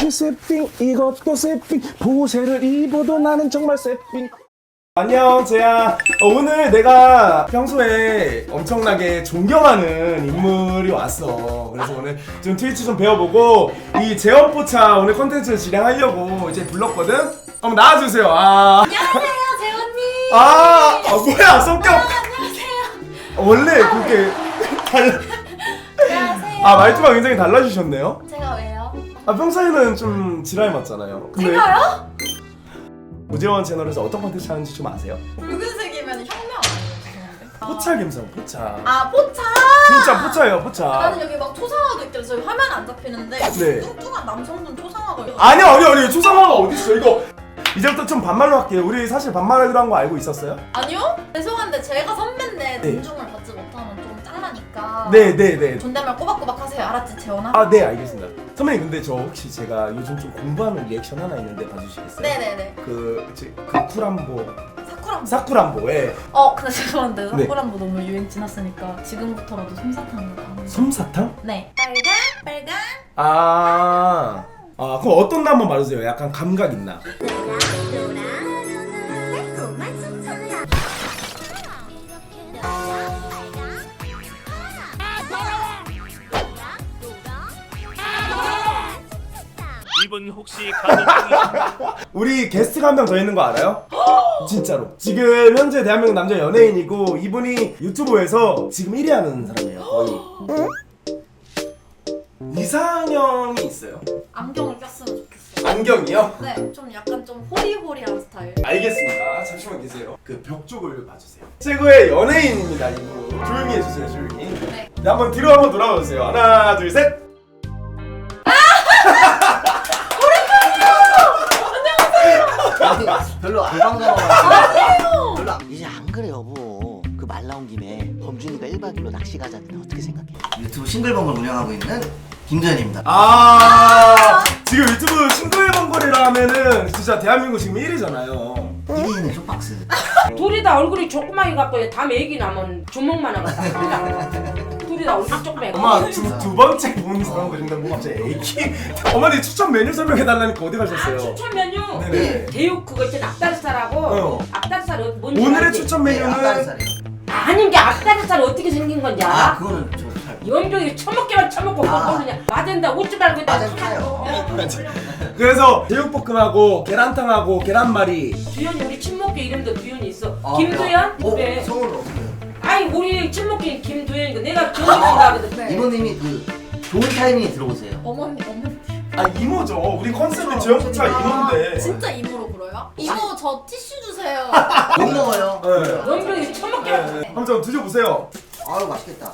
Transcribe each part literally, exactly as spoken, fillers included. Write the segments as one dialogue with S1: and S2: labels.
S1: 이렇게 세핑 이것도 세핑 보세를 입어도 나는 정말 세핑. 안녕 재야. 어, 오늘 내가 평소에 엄청나게 존경하는 인물이 왔어. 그래서 오늘 좀 트위치 좀 배워보고 이 재원포차 오늘 컨텐츠를 진행하려고 이제 불렀거든? 한번 나와주세요. 아.
S2: 안녕하세요 재원님.
S1: 아, 아 뭐야 성격.
S2: 아, 안녕하세요.
S1: 원래 그렇게 달라.
S2: 안녕하세요.
S1: 아 말투가 굉장히 달라지셨네요.
S2: 제가 왜요?
S1: 아 평소에는 좀 지랄 맞잖아요. 근데
S2: 제가요?
S1: 오재원 채널에서 어떤 컨텐츠 하는지 좀 아세요?
S2: 붉은색이면 혁명 아니에요? 죄송한데.
S1: 포차 감성 포차.
S2: 아 포차.
S1: 진짜 포차예요 포차.
S2: 나는 여기 막 초상화도 있길래 저희 화면 안 잡히는데
S1: 네.
S2: 뚱뚱한 남성분 초상화가 있어요.
S1: 아니요 아니요 아니요 초상화가 어딨어 이거. 이제부터 좀 반말로 할게요. 우리 사실 반말하기로 한 거 알고 있었어요?
S2: 아니요? 죄송한데 제가 선배인데
S1: 네.
S2: 존중을 받지 못하면 좀 짱나니까.
S1: 네네네.
S2: 존댓말 꼬박꼬박 하세요. 알았지 재원아?
S1: 아 네 알겠습니다. 선배님 근데 저 혹시 제가 요즘 좀 공부하는 리액션 하나 있는데 봐주시겠어요?
S2: 네네네.
S1: 그, 지- 그 쿨함보
S2: 사쿠란보.
S1: 사쿠란보에
S2: 어 근데 죄송한데
S1: 네.
S2: 사쿠란보 너무 유행 지났으니까 지금부터라도 솜사탕으로.
S1: 솜사탕?
S2: 네. 빨강 빨강.
S1: 아, 아 그럼 어떤 나 한번 말해주세요. 약간 감각 있나?
S3: 이분 혹시 가족분이신가요?
S1: 우리 게스트가 한 명 더 있는 거 알아요? 진짜로 지금 현재 대한민국 남자 연예인이고 이분이 유튜브에서 지금 일 위 하는 사람이에요 거의. 이상형이 있어요.
S2: 안경을 꼈으면 좋겠어요.
S1: 안경이요?
S2: 네, 좀 약간 좀 호리호리한 스타일.
S1: 알겠습니다. 잠시만 계세요. 그 벽 쪽을 봐주세요. 최고의 연예인입니다 이분. 조용히 해주세요 조용히.
S2: 네.
S1: 네, 한번 뒤로 한번 돌아보세요. 하나 둘 셋.
S4: 별로 안 반가워. 별로 안, 이제 안 그래 여보. 그 말 나온 김에 범준이가 일 박 이 일로 낚시 가자는데 어떻게 생각해? 유튜브 싱글벙글 운영하고 있는 김도현입니다.
S1: 아 지금 유튜브 싱글벙글이라 하면은 진짜 대한민국 지금 일 위잖아요.
S4: 일 위는 쇼박스.
S5: 둘이 다 얼굴이 조그마해 갖고 다 애기 나면 주먹만 하겠다. 둘이 다 얼굴 조그마해.
S1: 엄마 지금 두 번째 본 사람 그런데 뭐 갑자기 애기. 어머니 추천 메뉴 설명해 달라니까 어디 가셨어요?
S5: 추천 메뉴
S1: 네네.
S5: 대육 그거 있잖아 앞다리살하고
S1: 어.
S5: 앞다리살 뭔지
S1: 오늘의
S5: 알지?
S1: 추천
S4: 네,
S1: 메뉴는
S4: 앞다리살이요.
S5: 아닌 게 앞다리살 어떻게 생긴 건지
S4: 아
S5: 알아?
S4: 그거는 저 잘.
S5: 연병이 처먹기만 처먹고
S4: 아.
S5: 모르냐. 맞은다 웃지 말고
S4: 맞은 타요.
S1: 그래서 제육볶음하고 계란탕하고 계란말이.
S5: 두현이 우리 친목교 이름도 두현이 있어.
S4: 아,
S5: 김두현?
S4: 어?
S5: 그래.
S4: 성우를 어떻게 해요?
S5: 아니 우리 친목교 김두현이니까 내가 두현이가 하거든.
S2: 네.
S4: 이모님이 그 좋은 타이밍에 들어오세요.
S2: 어머니 어머니.
S1: 아 이모죠. 우리 컨셉이 재영포차
S2: 아,
S1: 이모인데.
S2: 진짜 이모로 불어요? 이모 저 티슈 주세요.
S4: 못 먹어요.
S1: 네.
S5: 연병이 처먹기만.
S1: 네. 한번 좀 드셔보세요.
S4: 아유 맛있겠다.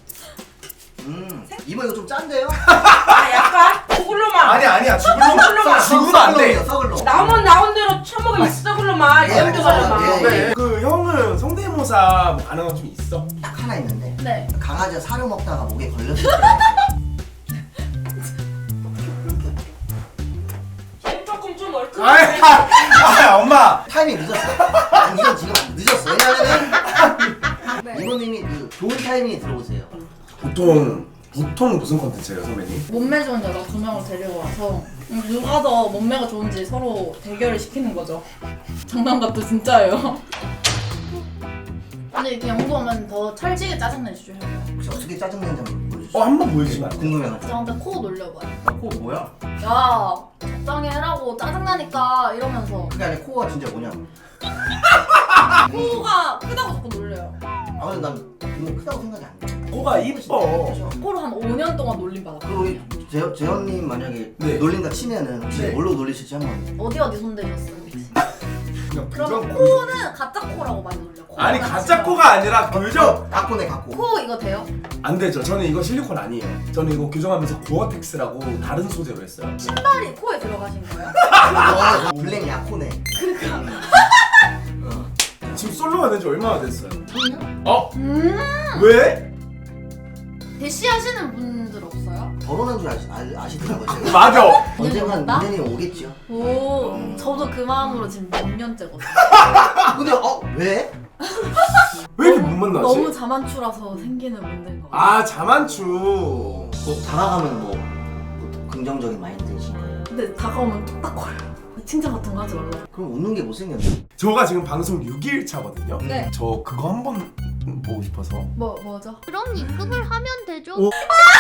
S4: 음 이모 이거 좀 짠데요?
S5: 아 약간 그걸로만.
S1: 아니 아니야 죽을로
S5: 썩을로만.
S1: 죽으면 안 돼.
S4: 썩을로.
S5: 나오면 나온 대로 처먹으면 썩을로만.
S4: 예,
S5: 연병으로만.
S4: 예, 예.
S1: 네. 그 형은 성대모사 뭐 가능한 거 좀 있어?
S4: 딱 하나 있는데
S2: 네.
S4: 강아지가 사료 먹다가 목에 걸렸을 때
S5: 조금 좀
S1: 아이,
S5: 얼큰해.
S1: 아, 아, 엄마.
S4: 타이밍 늦었어. 난 이건 지금 안 늦었어. 왜냐면은
S2: 네.
S4: 이모님이 그 좋은 타이밍에 들어오세요.
S1: 보통 보통 무슨 컨텐츠예요, 선배님?
S2: 몸매 좋은 여자 두 명을 데리고 와서 음, 누가 더 몸매가 좋은지 서로 대결을 시키는 거죠. 장난 같도 진짜예요. 근데 이렇게 영도 오면 더 찰지게 짜증내주죠.
S4: 혹시 어떻게 짜증내는지 한번 보여주세요.
S1: 어, 한 번 보여주시면 안 돼요?
S4: 궁금해가지고.
S2: 저한테 코 놀려봐요.
S4: 코 뭐야?
S2: 야 적당히 해라고 짜증나니까 이러면서
S4: 그게 아니라 코가 진짜 뭐냐고.
S2: 코가 크다고 자꾸 놀려요.
S4: 아 근데 난 이모 크다고 생각이 안 돼.
S1: 코가 이뻐.
S2: 코를 한 오 년 동안 놀림받아.
S4: 그리고 우리 재, 재현님 만약에
S1: 네.
S4: 놀린다 치면은 혹시
S1: 네.
S4: 뭘로 놀리실지 한번.
S2: 어디 어디 손대셨어요? 혹시?
S1: 그냥
S2: 그러면
S1: 부정-
S2: 코는 가짜 코라고 많이 놀려. 코가
S1: 아니
S2: 가짜
S1: 가짜
S2: 코라고.
S1: 코가 아니라 교정.
S4: 갖고네 갖고.
S2: 코 이거 돼요?
S1: 안 되죠. 저는 이거 실리콘 아니에요. 저는 이거 교정하면서 고어텍스라고 다른 소재로 했어요.
S2: 신발이 코에 들어가신 거예요?
S4: 어, 블랙 야코네.
S1: 지금 솔로가 된 지 얼마나 됐어요?
S2: 저요?
S1: 어?
S2: 음
S1: 왜?
S2: 대시하시는 분들 없어요?
S4: 결혼한 줄 아시, 아, 아시더라고요. 제가.
S1: 맞아.
S4: 언젠간
S2: 나?
S4: 인연이 오겠죠.
S2: 오
S4: 음.
S2: 저도 그 마음으로 지금 몇 년째거든요.
S4: 근데 어 왜?
S1: 왜 이렇게 못 만나지?
S2: 너무 자만추라서 생기는 문제인 것 같아요.
S1: 아 자만추.
S4: 뭐 다가가면 뭐, 뭐 긍정적인 마인드이신 거예요.
S2: 근데 다가오면 뚝딱 거려요. 칭찬 같은 거 하지 말라고.
S4: 그럼 웃는 게 못생겼네.
S1: 저가 지금 방송 육 일 차거든요.
S2: 네.
S1: 저 그거 한번 보고 싶어서.
S2: 뭐 뭐죠?
S6: 그럼 입금을 하면 되죠.
S1: 오.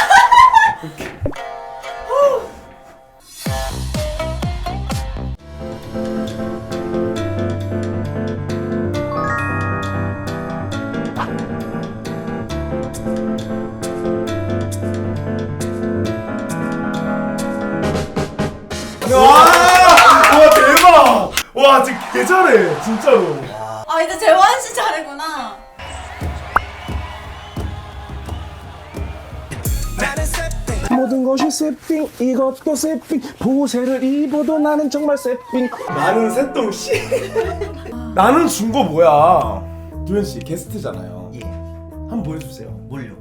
S1: 와, 와 대박! 와 진짜 개 잘해 진짜로.
S2: 아 이제 재환 씨 차례구나.
S1: 모든 것이 세핑, 이것도 세핑. 보세를 입어도 나는 정말 세핑. 나는 새똥씨. 나는 준 거 뭐야? 도현 씨 게스트잖아요.
S4: 예.
S1: 한번 보여주세요.
S4: 뭘요?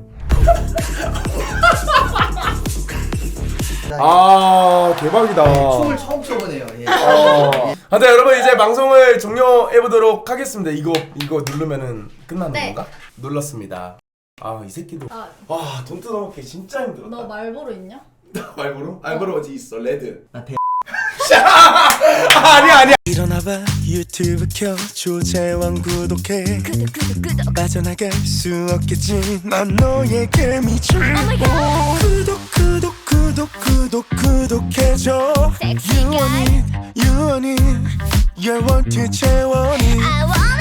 S1: 아 대박이다.
S4: 춤을 처음 춰보네요. 예.
S1: 어. 아, 네 여러분 이제 방송을 종료해 보도록 하겠습니다. 이거 이거 누르면은 끝나는
S2: 네.
S1: 건가? 눌렀습니다. 아 이 새끼도
S2: 아,
S1: 와 돈 뜯어먹기 진짜 힘들었다.
S2: 너 말보로 있냐?
S1: 말보로? 말보로 어디 있어? 레드.
S4: 나 배.
S1: 아, 아니야 아니야.
S7: 일어나봐 유튜브 켜 조재왕 구독해 빠져나갈 수 없겠지 난 너에게 미쳐 구독 구독 구독 구독 구독해줘 유원이 유원이 열원투 재원이
S6: I want